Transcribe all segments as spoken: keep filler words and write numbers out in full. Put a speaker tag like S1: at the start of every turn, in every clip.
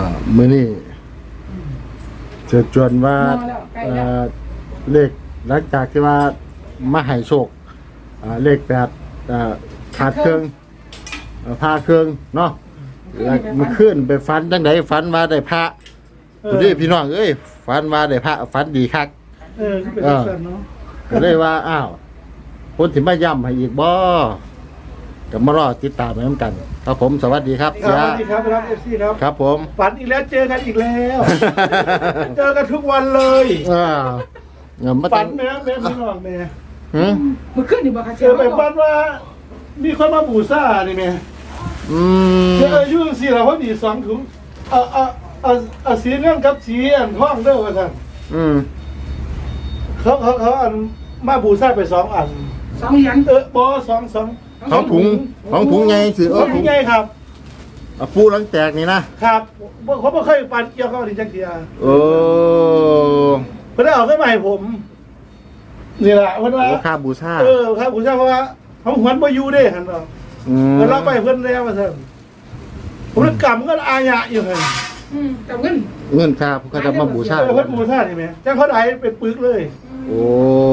S1: มื้อนี้เชิญชวนว่าเลขหลังจากที่ว่ามาให้โชคเลขแปดขาดเครื่องพาเครื่องเนาะแล้วมันขึ้นไปฝันจังไดฝันว่าได้พระผู้นี้พี่น้องเอ้ยฝันว่าได้พระฝันดีคัก
S2: เออเป็นแบบนั้นเนาะ
S1: ก็เลยว่าอ้าวคนสิมาย้ำให้อีกบ่ก็มารอติดตามไปนำกันครับผมสวัสดีครับ
S2: สวัสดีครับครับเอฟซีครับ
S1: ครับผม
S2: ฝันอีกแล้วเจอกันอีกแล้วเจอกันทุกวันเลย
S1: อ่า
S2: ฝันแม่แม่พี่น้องแม่
S1: หือ
S3: มันขึ้นอยู่บ่คะ
S2: เจอไปฝันว่ามีคนมาบูชานี่แม่
S1: อืม
S2: เจออายุสี่แล้วพอดีสองถุงเอาเอาเอาเอาสีเงินกับสีอันทองเด้อว่าซั่น
S1: อืม
S2: เขาเขาเขาอันมาบูชาไปสองอัน
S3: สองเหรียญ
S2: เออบ่สองสอง
S1: สองถุงสองถุงใหญ่สิเออ
S2: ถุงใหญ่ครับ
S1: ปูหลังแตกนี่นะครับ
S2: เขาไม่เคยปันเกี่ยวกับดินจักรยาน
S1: โอ้
S2: เพิ่นเอาขึ้นมาให้ผมนี่แหละเพิ่นว่า
S1: ค่าบูชา
S2: เออค่าบูชาเพราะว่าเขาหวนบ่อยู่เด้หั่นเนาะ
S1: อืม
S2: เพิ่นรับไปเพิ่นแล้วว่าซั่นผมกรรมก็อาญะอยู่หั่น
S3: อืมกับเงิน
S1: เงินค่าเพิ่นจะมาบูชา
S2: เพิ่นบูชานี่แม่จังเขาได้เป็นปึกเลย
S1: โอ้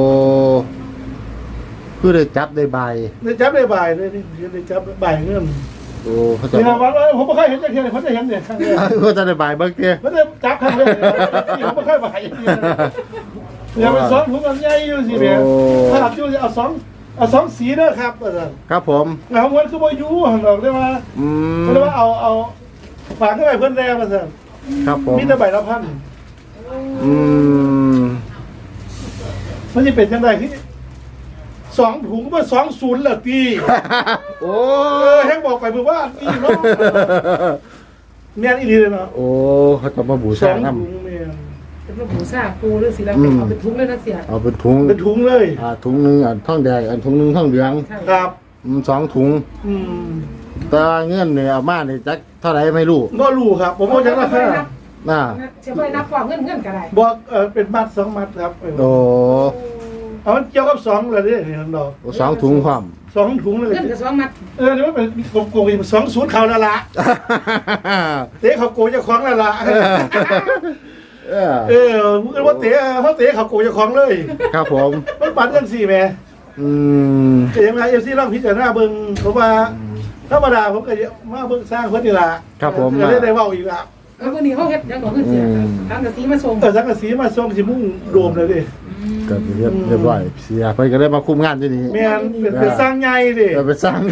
S1: คือได้จับได้ใบ
S2: ได้จับได้ใบเลยนี่ได้จับใบเงิน
S1: โอ้เขาจะ
S2: นี่นะว่าผมไม่เคยเห็นจักรยานเขาจะเห็นเนี่ยครั้งแรก
S1: เขาจะได้ใบเบิ่งเด้
S2: เขาจะจับครั้งแรกผมไม่เคยใบอย่าไปสอนผมมันใหญ่อยู่สิแม่ถ้าอยู่จะเอาสองเอาสองสีเด้อครับอาจารย์
S1: ครับผม
S2: แล้วมันคือบ่อยู่หั่นดอกได้ว่า
S1: อืม
S2: เรียกว่าเอาเอาฝากให้ไปเพิ่นแล้วอาจารย์
S1: ครับผม
S2: มีแต่ใบละพัน
S1: อืม
S2: มันจะเป็นจังได๋คือสองถุงมาสองศูนย์เหรอตี
S1: โอ้
S2: แฮงบอกไปเพื่อว่านี่เนาะแม่นอีหลีเลยเนาะ
S1: โอ้เขาจะมาบูชานำ
S3: เป็นบูชาปูหรือสิแล้วเอาเป็นถุงเลยนะเสีย
S1: เอาเป็นถุง
S2: เป็นถุงเลย
S1: อ่าถุงนึงอันทองแดงอันถุงนึงทองเหลือง
S2: ครับ
S1: อืมสองถุง
S2: อืม
S1: แต่เงินเนี่ยเอามานี่จักเท่าไหร่ไม่รู้
S2: บ่รู้ครับผมบ่จักราคา
S1: น่ะ
S3: สิบ่ได้นับว่าเงินเงินก็ได้
S2: บ่เอ่อเป็นมัดสองมัดครับ
S1: โอ้
S2: เอามันเกี่ยวกับสองเลยนี่นี่ดอก
S1: สองถุงพร้อม
S2: สองถุงเลย
S3: เงินกับสองมัด
S2: เออนี่มันเป็นโกงๆสองศูนย์เขาละละเตะเขาโกงเจ้าของละละเออเออมึงว่าเตะเขาเตะเขาโกงเจ้าของเลย
S1: ครับผม
S2: มันปั่นกันสี่แม่
S1: อืม
S2: แต่ยังไงเอฟซีร่างพิจารณาเบิ่งเพราะว่าธรรมดาผมก็มาเบิ่งสร้างเพิ่นนี่ล่ะ
S1: ครับผม
S2: ก็ได้ได้เว้าอีกละ
S3: เออวันนี้เขาเฮ็ดยังบ่เงินเสียทั้งกะสีมาส่ง
S2: เออทั้งกะสีมาส่งสิมุ่งโดมเลยดิ
S1: ก็เรียบเรียบร้อยเสียเพิ่นก็ได้มาคุมงานที่นี่
S2: แม่นเป็นสร้างใหญ่ดิ
S1: เออเป็นสร้าง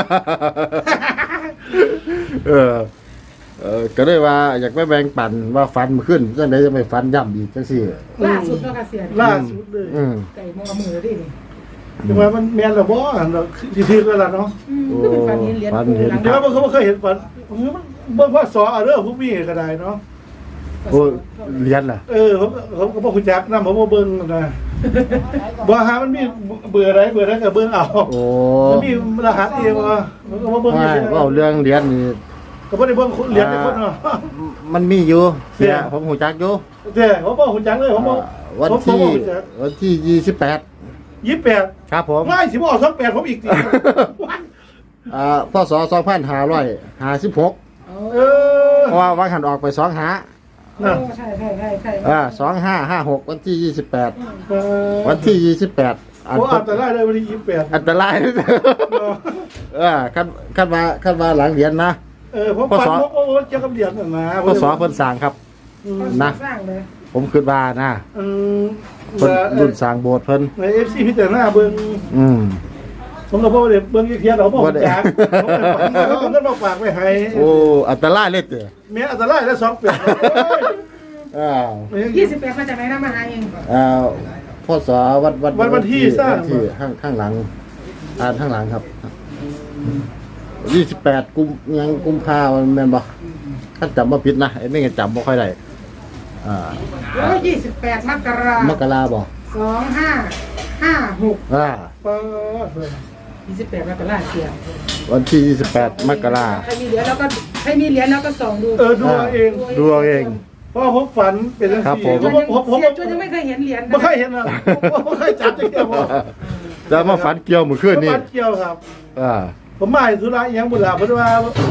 S1: เออเออก็ได้ว่าอยากไปแบ่งปันว่าฟันมันขึ้นจังได๋จะไม่ฟันย่ำอีกจังซี่
S3: ล่าสุดเนาะค่ะเสีย
S2: ล่าสุดเลย
S1: อืม
S3: ไก่มอมือดินี่
S2: แต่ว่ามันแม่นแล้วบ่เนาะสิถึกแล้วล่ะเนาะ
S3: คือเป็นฟันเห็นเหรียญปูหลัง
S2: เดี๋ยวบ่เคยเห็นฟันเบิ่งว่าสอเอาเด้อผู้มีก็ได้เนาะ
S1: โอ้เรียนล่ะ
S2: เออผมผมก็บ่ฮู้จักนำผมบ่เบิ่งนะบ่หามันมีเบื่ออะไรเบื่อนั้นก็เบิ่งเอา
S1: โอ้
S2: มันมีรหัสเองว่ามันก็บ่เบิ่ง
S1: อีกว่าเรื่องเรียนนี่
S2: ก็บ่ได้เบิ่งเรียนได้คนเนาะ
S1: มันมีอยู่เสียผมฮู้จักอยู่
S2: เด้ผมบ่ฮู้จักเลยผมบ่
S1: วันที่วันที่ยี่สิบแปด
S2: ยี่สิบแปด
S1: ครับผม
S2: ไม่สิบ่ออกสองแปดผมอีกติ
S1: อ่าพศสองพันห้าร้อยห้าสิบหก
S2: เออ
S1: เพราะว่าวันหันออกไปสองหา
S3: นะใช่ใช่ใช่ใช่
S1: อ่าสองห้าห้าหกวันที่ยี่สิบแปดวันที่ยี่สิบแปด
S2: อันตรายเลยวันที่ยี่สิบแปด
S1: อันตรายเออขั้นขั้นมาขั้นมาหลังเหรียญนะ
S2: เออผมฟันผมโอ้เจ้ากับเหรียญนะ
S1: พศเพิ่นสร้างครับนะผมคิดว่านะเพิ่นรุ่นสร้างโบสถ์เพิ่น
S2: ใน เอฟ ซี พิจารณาเบิ่ง
S1: อืม
S2: ผมก็บ่ได้เบิ่งเทียนเขาบ่จักผมก็บ่ฝากไว้ให้
S1: โอ้อันตรายเลยเด้อ
S2: แม่อันตรายแล้วสองแปด
S1: อ้าว
S3: ยี่สิบแปดมาจากไหนนะมาหาเอง
S1: อ่าพศวัดวัด
S2: วันที่สร้าง
S1: ที่ข้างข้างหลังอ่านข้างหลังครับยี่สิบแปดกุมยังกุมภาพันธ์แม่นบ่ถ้าจำบ่ผิดนะไอ้นี่ก็จำบ่ค่อยได้อ่า
S3: แล้วยี่สิบแปดมกราคม
S1: มกราบ่
S3: สองห้าห้าหก
S1: อ่า
S3: ยี่สิบแปดมกราเสีย
S1: วันที่ยี่สิบแปดมกรา
S3: ใครมีเหรียญแล้วก็ใครมีเหรียญแล้วก็ส่องดู
S2: เออดูเอง
S1: ดูเอง
S2: เพราะผมฝันเป็นจังซี่ผม
S3: ผมผมยังไม่เคยเห็นเหรียญ
S2: ไม่เคยเห็นนะไม่เคยจับจังเดียว
S1: จะมาฝันเกี่ยวมื้อคืนนี้
S2: ฝันเกี่ยวครับ
S1: อ่า
S2: ผมมาธุระยังบุญหลาเพราะว่าผ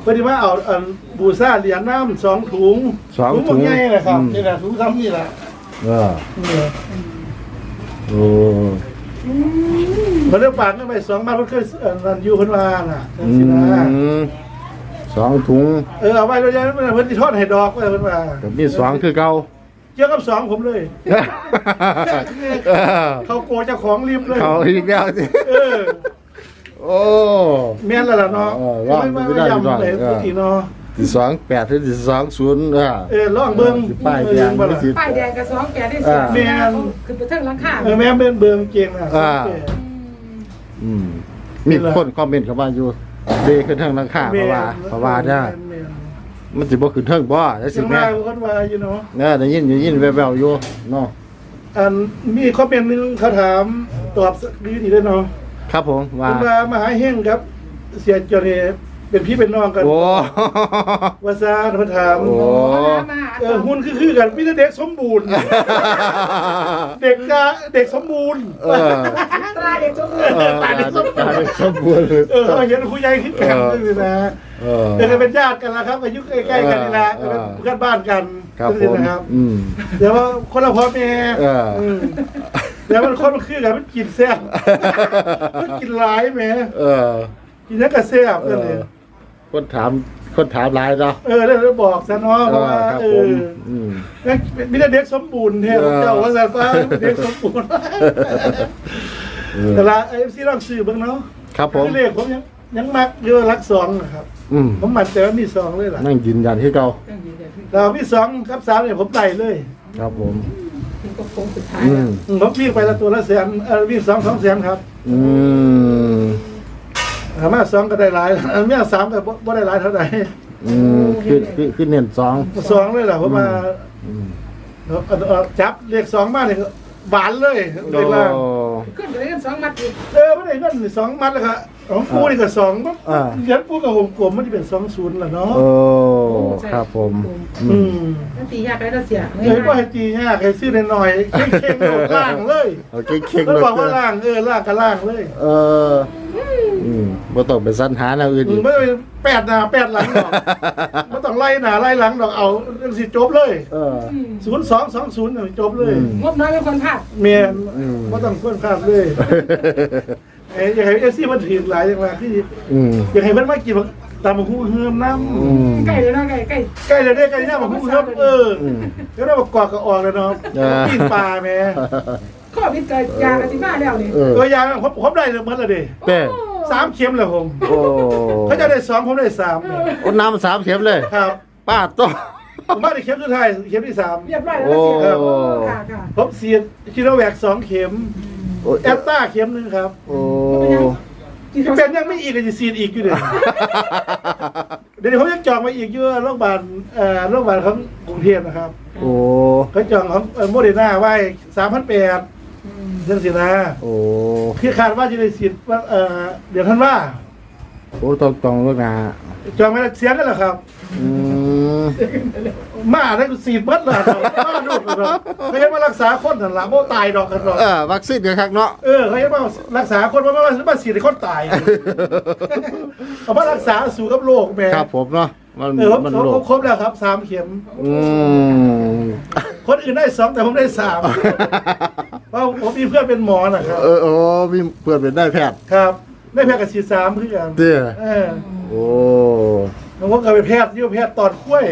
S2: อดีว่าเอาอันบูซ่าเหรียญน้ำสองถุง
S1: สองถุง
S2: หมดง่ายเลยครับ
S1: อืม
S2: นี่แหละถุงซ้ำนี่แหละ
S1: เออ
S2: นี่
S1: โอ้
S2: เพิ่นได้ฝากเงินไปสองบาทเพิ่นเคยเอ่อนั่นอยู่เพิ่นว่าน่ะจัง
S1: อื
S2: ซี่นะ
S1: มสองถุง
S2: เออเอาไว้แล้วยังเพิ่นสิทอดให้ดอกไว้เพิ่นว่า
S1: กับมีสองคือเก่า
S2: เกี่ยวกับสองผมเลย
S1: เออ
S2: เขาโกเจ้าของรีบเลย
S1: เขาอีกแล้วสิ
S2: เออ
S1: โอ้
S2: แม่นแล้วล่ะเนาะ
S1: เออรอดไม่ได้
S2: ย้ำ
S1: รอด
S2: เลย
S1: เออ
S2: อีกเนาะ
S1: สิสองแปดหรือสิสองศูนย์เออ
S2: เออลองเบิ่ง
S1: สิป้ายแดง
S2: เบิ่
S1: หรือ
S2: ล่ะ
S1: สิ
S3: ป้ายแดงกับสองแกได้เสีย
S2: แม่น
S3: คือไปเทิงหลังคา
S2: เออแม่นเบิ่งเบิ่งเก่งน่ะ
S1: อ่า อืมมีคนคอมเมนต์เข้ามาอยู่เดขึ้นเทิงหลังคาเพราะว่าเพราะว่าเด้อ
S2: แม่น
S1: มันสิบ่ขึ้นเทิงบ่ได้
S2: ๆ
S1: สิ
S2: จัง
S1: แม่
S2: ว่าคนว่าอยู่เนาะ
S1: เออได้ยินได้ยินแว่วๆอยู่เนาะ
S2: อันมีคอมเมนต์หนึงเขาถามตอบดีดีด้วยเนาะ
S1: ครับผมว่า
S2: คุณว่ามหาเฮงครับ เสียจอนี่เป็นพี่เป็นน้องกัน
S1: โอ้
S2: ว่าซาเพิ่นถาม
S1: โอ้
S3: มา
S2: เออหุ่นคือคือกันมีแต่เด็กสมบูรณ์ เด็กกะเด็กสมบูรณ์
S1: เออ
S3: ตราเด็กจง
S1: เออตาเด็กสมบูรณ์
S2: เออเขาเห็นผู้ใหญ่ขึ้นกันนี่นะ
S1: เออ
S2: เออเป็นญาติกันแล้วครับอายุใกล้ๆกันนี่แหละ
S1: เออ
S2: เป็นเพื่อนบ้านกัน
S1: ครับผ
S2: นี่
S1: ม
S2: นะครับ
S1: อืม
S2: เดี๋ยวว่าคนละพ่อแม่
S1: เอออื
S2: มเดี๋ยวมันคนมันคือกันมันกินแซ่บมันกินหลายแหม
S1: เออ
S2: กินแล้วก็แซ่บ
S1: เอ
S2: นั่นเอ
S1: อง คนถามคนถามหลายเนาะ
S2: เออแล้วเราบอกซะเนาะเพ
S1: เอ
S2: ราะ
S1: อ
S2: ว่า
S1: ครับ
S2: เอ
S1: ผม
S2: อ
S1: อืม
S2: นั่นมีแต่เด็กสมบูรณ์แท้
S1: เออ
S2: เจ้าว่าซะฟ้าเด็กสมบูรณ์
S1: เออ
S2: แต่ละไอ้ซีลองซื้อเบิ่งเนาะ
S1: ครับผม
S2: คือเลขผมยังยังมักอยู่รักสองนะครับ
S1: อืม
S2: ผมมั่นใจว่ามีสองเลยล่ะ
S1: นั่งยืนยันที่เก่า
S2: เรามีสองครับสามเนี่ยผมไต่เลย
S1: ครับผม
S3: ถึงก็คงสุดท้าย
S1: อื
S3: แล้ว
S1: ม
S2: อืมผมวิ่งไปละตัวละแสนเออวิ่งสองสองแสนครับ
S1: อืม
S2: ถามว่าสองก็ได้หลายเออเมียสามก็บ่บ่ได้หลายเท่าไหร่
S1: อืมคือคือคือเน้นสอง
S2: สองเลยล่ะผมมา
S1: อืม
S2: เอาเอาเอาจับเลขสองมาเนี่ยบานเลยเลขล่าง
S1: โอ้
S3: ขึ้นไปได้กันสองมัดอีก
S2: เออไม่ได้เงินสองมัดเลยครับของกูนี่ก็สองปั๊บ
S1: อ่า
S2: เหรียญกูกับวงกลมมันจะเป็นสองศูนย์แหละเนาะ
S1: โอ้ครับผม
S2: อื
S1: อืม
S2: ม
S3: นั่นตียากไปแล้วเสีย
S2: เอ้ยว่าให้ตียากให้ซื้อหน่อยๆเข่งๆโดดล่างเลย
S1: เอาเก่งๆ
S2: แล้ว
S1: เลย
S2: บอกว่าล่างเออล่างก็ล่างเลย
S1: เอออืมบ่ต้องไปสรรหาแนวอื่น
S2: อื
S1: อี
S2: ม
S1: ก
S2: ไม่ต้องแปดหน้าแปดหลังดอกไม่ต้องไล่หน้าไล่หลังดอกเอาเรื่องสิจบเลย
S1: เออ
S2: ศูนย์สองสองศูนย์จบเลย
S1: อืม
S3: งบน้อยเป็นคนพลาด
S2: เมียน
S1: อืม
S2: ไม่ต้องค้นคาดเลยเอ้ยอยากให้เอฟซีมันถือหลายอย่างไรที่
S1: อืม
S2: อยากให้มันมากินตามมาคู่เฮือมน้
S1: อืม
S3: ใกล้เลยนะใกล้ใกล้
S2: ำใกล้เลยได้ใกล้หน้ามาคู่เฮือมเออ
S1: อืม
S2: แล้วเราประกอบกับออกเลยเนาะ
S1: เออ
S2: ปิ้งปลาแม่
S3: ข้อพิจารณากันที่มาแล้วนี่
S1: เออ
S2: ตัวยาผมผมได้เลยมันละเด้
S1: เต้
S2: สามเข็มเลยผม
S1: โอ้
S2: เขาจะได้สองผมได้สาม
S1: โอ้น้ำสามเข็มเลย
S2: ครับ
S1: ป้าโต
S2: ผมว่าได้เข็มสุดท้ายเข็มที่สาม
S3: เรียบร้อยแล้วเสีย
S1: โอ้
S3: ค่ะค่ะ
S2: ผมเสียชิโนแวคสองเข็ม
S1: โอ้
S2: แอตตาเข็มหนึ่งครับ
S1: โอ้
S2: เป็นยังไม่อีกก็จะซีดอีกอยู่เดี๋ยวเดี๋ยวผมยังจองมาอีกเยอะโรงพยาบาลเอ่อโรงพยาบาลของกรุงเทพนะครับ
S1: โอ้
S2: เขาจองของโมเดอร์นาไว้สามพันแปดเดือนสินะ
S1: โอ้
S2: คือคาดว่าจะได้ซีดว่าเอ่อเดี๋ยวท่านว่า
S1: โอ้ต้องต้องลูกนะ
S2: จองไม่ได้เสียงกันเหรอครับ
S1: อืม
S2: มาได้กูซีดเบิดเลยดอกมาดูดดอกเขาจะมารักษาคนหันหลังโมตายดอกกันดอก
S1: เออวัคซีนกันครับเนาะ
S2: เออเขาจะมารักษาคนว่ามามาซีดให้คนตายเอามารักษาสู่กับโรคแม่
S1: ครับผมเนาะมัน
S2: เออผม
S1: มัน
S2: ผม
S1: โล
S2: ผ
S1: ก
S2: มครบแล้วครับสามเข็ม
S1: อืม
S2: คนอื่นได้สองแต่ผมได้สามเพราะผมมีเพื่อนเป็นหมอนะครับ
S1: เออโอ้มีเพื่อนเป็นได้แพทย์
S2: ครับได้แพทย์กับฉีดสามเพื่อน
S1: เตี้ย
S2: เออ
S1: โอ้
S2: แล้วผมก็เป็นแพทย์ยี่แพทย์ตอนกล้วย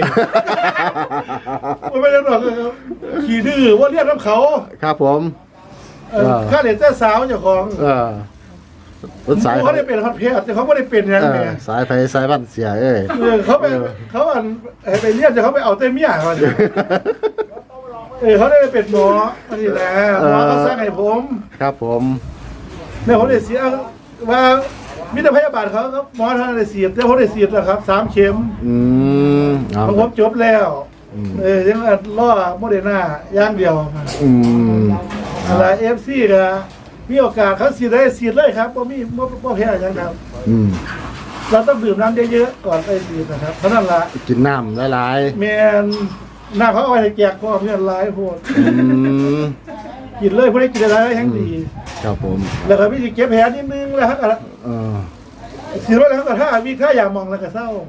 S2: ไม่ได้หรอกครับขี่ดื้อว่าเรียกน้ำเขา
S1: ครับผม
S2: เออข้าเด็กเจ้าสาวเจ้าของ
S1: เออรถสาย
S2: เขาได้เป็นแพทย์แต่เขาไม่ได้เป็นยัง
S1: เอ
S2: ไง
S1: อสายไฟสายบ้านเสียเอ้ย
S2: เออเขาไปเขาอันให้ไปเรียกแต่เขาไปเอาเต้เมียเขาเนี่ยเออเขาได้เป็นหมออันนี้แหละหมอเขาสร้างให้ผม
S1: ครับผม
S2: เนี่ยผมได้เสียว่ามิตรพยาบาลเขาครับหมอท่านได้เสียบแต่ผมได้เสียบแล้วครับสามเข็ม
S1: อืมเอา
S2: ของผมจบแล้ว
S1: อืม
S2: เออยังล่อโมเดอร์นาย่างเดียวครับ
S1: อืม
S2: อะไรเอฟซีก็มีโอกาสเขาเสียได้เสียเลยครับว่ามีว่าว่าแพ้ยังครับ
S1: อืม
S2: เราต้องดื่มน้ำเยอะๆก่อนไปเสียนะครับเพราะนั่นละ
S1: กินน้ำหลาย
S2: แมนหน้าเขาเอาไปให้แจกพ่อเพื่อนร้ายโพด
S1: ๆอืม
S2: กินเลยพวกนี้กินอะไรแห้งดี
S1: ครับผม
S2: แล้วก็พี่เก็บแผลนิดนึงแล้วครับ
S1: เออ
S2: ถือว่าแล้วก็ถ้ามีค่าอยากมองแล้วก็เศร้า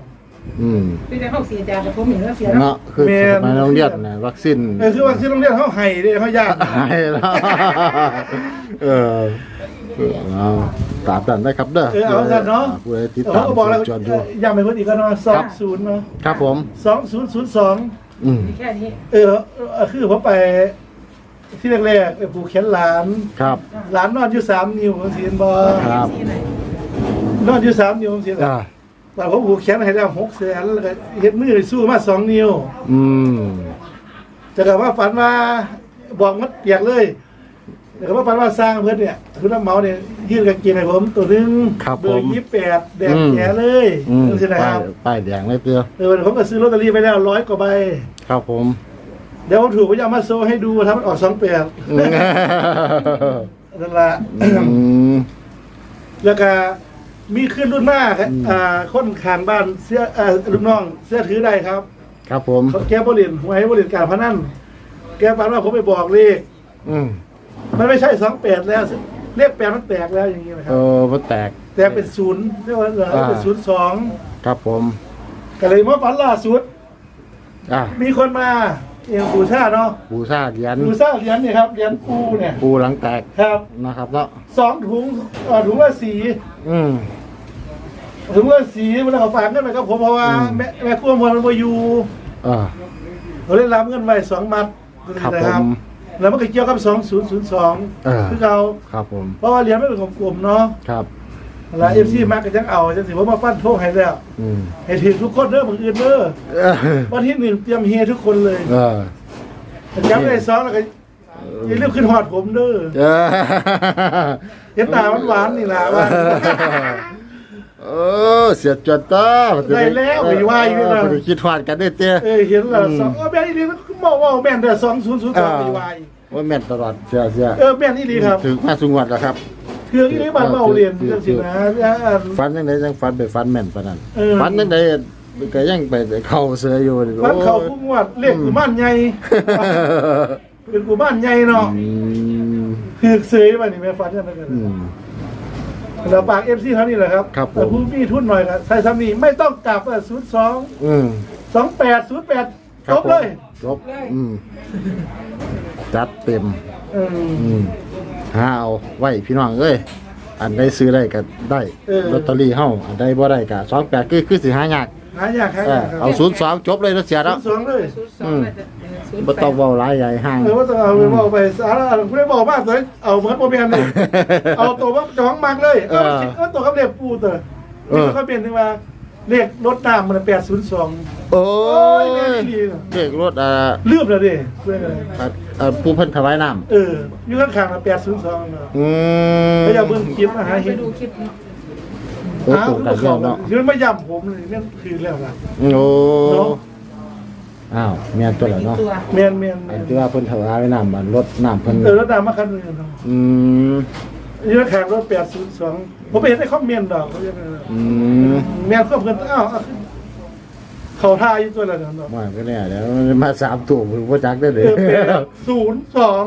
S1: อืม
S3: พี่จะเข้าเสียจานแต่ผมเห็นแล้วเสีย
S1: เนาะคือสมัยโรงเรียนน่ะวัคซีน
S2: เออคือว่าที่โรงเรียนเขาให้เด้เขาญาติ
S1: หายแล้วเออเอาตามนั้นได้ครับเด้อ
S2: เออเอากันเนาะ
S1: ผู้ใดติด
S2: เขา
S1: ตาม
S2: ก็บอกแล้ว
S1: จอนอยู่
S2: ย้ำไปเพิ่นอีกก็เนาะสองศูนย์เนาะ
S1: ครับผม
S2: สองศูนย์ศูนย์สอง
S1: อืม
S3: มีแค่นี้
S2: เออเออคือผมไปที่แรกๆไปผูกแขนหลาน
S1: ครับ
S2: หลานนอนอยู่สามนิ้วผมสิเห็นบ่
S1: ครับ
S3: ที่ไหน
S2: นอนอยู่สามนิ้วผมสิ
S1: อ่า
S2: แต่ผมผูกแขนให้แล้วหกแสนแล้วก็เฮ็ดมือสู้มาสองนิ้ว
S1: อืม
S2: แต่ก็ว่าฝันว่าบอกมัดเปียกเลยแต่ก็ว่าฝันว่าสร้างเพื่อนเนี่ยคุณน้ำเมาเนี่ยยื่นกางเกงให้ผมตัวหนึง
S1: ครับ
S2: เบอ
S1: ผม
S2: ร์ยี่สิบแปดแดง
S1: อืม
S2: แก่เลย
S1: อืม
S2: นั่นสินะค
S1: ป้าย
S2: รับ
S1: ป้ายแดงเลยเตือ
S2: เออผมก็ซื้อลอตเตอรี่ไปแล้วร้อยกว่าใบ
S1: ครับผม
S2: เดี๋ยวผมถูกผมจะเอามาโซให้ดูทำมันออกสองแปด
S1: อืม
S2: นั่นละ
S1: อืม
S2: แล้วก็มีขึ้นรุ่นหน้าครับ
S1: อืม
S2: อ่าคนขางบ้านเสื้ออ่าลูกน้องเสื้อถือได้ครับ
S1: ครับผม
S2: เขาแก้บริเวณหวยบริเวณการพนันแกฝันว่าผมไปบอกเลข
S1: อืม
S2: มันไม่ใช่สองแปดแล้วเลขแปดมันแตกแล้วอย่างนี้นะค
S1: เอ
S2: รับ
S1: อมันแตก
S2: แตกเป็นศูนย์เรียกว่าเหลือ
S1: อ่า
S2: เป็นศูนย์สอง
S1: ครับผม
S2: ก็เลยเมื่อฝันล่าสุด
S1: อ่ะ
S2: มีคนมาเอียงปูชาเนาะ
S1: บูชาเหรียญ
S2: ปูชาเหรียญเนี่ยครับเหรียญปูเนี่ย
S1: ปูหลังแตก
S2: ครับ
S1: นะครับเนาะ
S2: สองถุงเอ่อถุงละสี
S1: อืม
S2: ถุงละสีมันเอาฝากเงินไปกับผมเพราะว่า
S1: อืม
S2: แม่แม่กู้มันมาอยู่
S1: อ่า
S2: เราได้รับเงินไว้สองมัด
S1: ครับ
S2: นะ
S1: ผม
S2: แล้วมันก็เกี่ยวกับสองศูนย์ศูนย์สอง
S1: เออ
S2: คือเรา
S1: ครับผม
S2: เพราะว่าเหรียญไม่เป็นของกลุ่มเนาะ
S1: ครับ
S2: แล้วเอฟซีมาก็ยังเอาจะถือว่ามาฟันโทษให้แล้ว
S1: อืม
S2: ให้ถือทุกคนเด้อมืออื่นเด้อ
S1: เออ
S2: วันที่หนึ่งเตรียมเฮทุกคนเลย
S1: เออ
S2: จำได้สองแล้วก็อย่าลืมขึ้นหอดผมเด้อ
S1: เออ
S2: เห็นตาหวานๆนี่ล่ะว่า
S1: เออเสียจวนต้า
S2: ได้แล้วไม่ว่าอยู่นะ
S1: บ่ได้คิดฮอดกันได้อเตี้ย
S2: เออเห็นแล้วสองเออแม่นอีหลีมันบอกว่าแม่นแต่สองศูนย์ศูนย์สอง
S1: อ่า
S2: มีวาย
S1: ว่าแม่นตลอดเสียเสีย
S2: เออแม่นอีหลีครับ
S1: ถึงมาสุงวัดแล้วครับ
S2: เทืองอีหลีบ้านเมาเรียนจังซี่นะแล้วอัน
S1: ฟันจังไดจังฟันไปฟันแม่นปานนั้น
S2: เออ
S1: ฟันจังไดก็ยังไปเข้าเสืออยู่นี่
S2: บ้านเขา
S1: โอ้ย
S2: พุ่งวัดเลขกูบ้านใหญ่เป็นกูบ้านใหญ่เนาะ
S1: อืม
S2: คือเซยมานี่แม่ฟันจังได๋กัน
S1: อืม
S2: แล้วปาก เอฟ ซี เท่านี้แหละครับ
S1: ครับผม
S2: แต่ผู้มีทุนหน่อยก็ใส่ซ้ำนี่ไม่ต้องกลับอ่ะศูนย์สอง
S1: อืม
S2: สองแปดศูนย์แปด
S1: ครั
S2: จ
S1: บบ ผม
S2: เลย
S1: จบอืมจัดเต็ม
S2: เออ
S1: อืมหาเอาไว้พี่น้องเอ้ยอันใดซื้อได้ก็ได้
S2: เออ
S1: ลอตเตอรี่เฮาอันใดบ่ได้ก็สองแปดคือคือสิหายาก
S2: หายากหาาก
S1: เอยอ
S2: ครับ
S1: เอาศูนย์สองจบเลยเนาะเสีย
S2: ศู
S1: แล้ว
S2: นย์สองเลย
S3: ศูนย์สองน่าจะศูนย์
S1: บ่
S3: แป
S1: ต้อง
S3: ด
S1: เว้าหลายใหญ่ห่าง
S2: เออว่าจะเอาไปบอกไปสาระไม่ได้บอกมากเลยเอาเหมือนโมเมนเลยเอาตัวว่าจ้องมากเลยเออเออตัวกับเลขปูเตอนี่เขาเปลี่ยนถึงว่าเลขรถน้ำมันแปดศูนย์สอง
S1: โอ้
S2: โอ้ย
S1: ย
S2: แม่นี่ดีเนอะ
S1: เด็กรถอ่า
S2: ลืมเลยดิเพื่อนเลย
S1: อ่าอ่าผู้เพิ่นถวายน้ำ
S2: เอออยู่ข้างๆนะแปดศูนย์สองเนาะ
S1: อืม
S2: เขาจะเบิ่งคลิปมาหา
S3: ไป
S2: เห็น
S3: ดูคลิปเนาะ
S1: โอ้ตรงกันเรื่องเนาะ
S2: ยืนมาย่ำผมเลยนั่นคือแล้วล่ะ
S1: โอ้
S2: เนาะ
S1: อ้าวแม่นตัวแล้วเนาะ
S3: ตัว
S2: เมียนเมียน
S1: อันที่ว่าเพิ่นถวายน้ำมันรถน้ำเพิ่น
S2: เออแล้วดามาคันหนึงเนาะ
S1: อืม
S2: ยืนข้างรถแปดศูนย์สองผมไปเห็นในคอมเมนต์ดอกเขาจะ
S1: อืม
S2: เมียนควบเพิ่นอ้าวเอาเขาท่าอยู่ตัวละเนาะ
S1: ว่าก็แน่แล้วมาสามตัวผมบ่จักได้เล
S2: เอย อแปดศูนย์สอง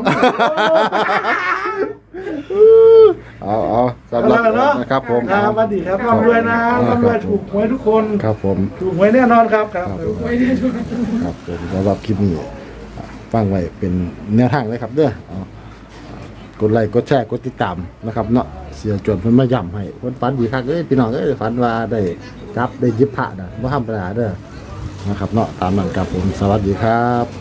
S1: เอาเอาสำหรับ
S2: เอาละเนาะ
S1: นะครับผม
S2: ครับสวัสดีครับร่ำรวยนะร่ำรวยถูกหวยทุกคน
S1: ครับผม
S2: ถูกหวยแน่นอนครับครับ
S1: ครับผม
S3: ไว้ได้ดู
S1: ครับผมสำหรับคลิปนี้ฟังไว้เป็นแนวทางเลยครับเด้อเอากดไลค์กดแชร์กดติดตามนะครับเนาะเสียจวนเพิ่นมาย้ำให้เพิ่นฝันดีคักเอ้ยพี่น้องเอ้ยฝันว่าได้จับได้หยิบพระน่ะบ่ธรรมดาเด้อนะครับเนาะตามนั้นครับผมสวัสดีครับ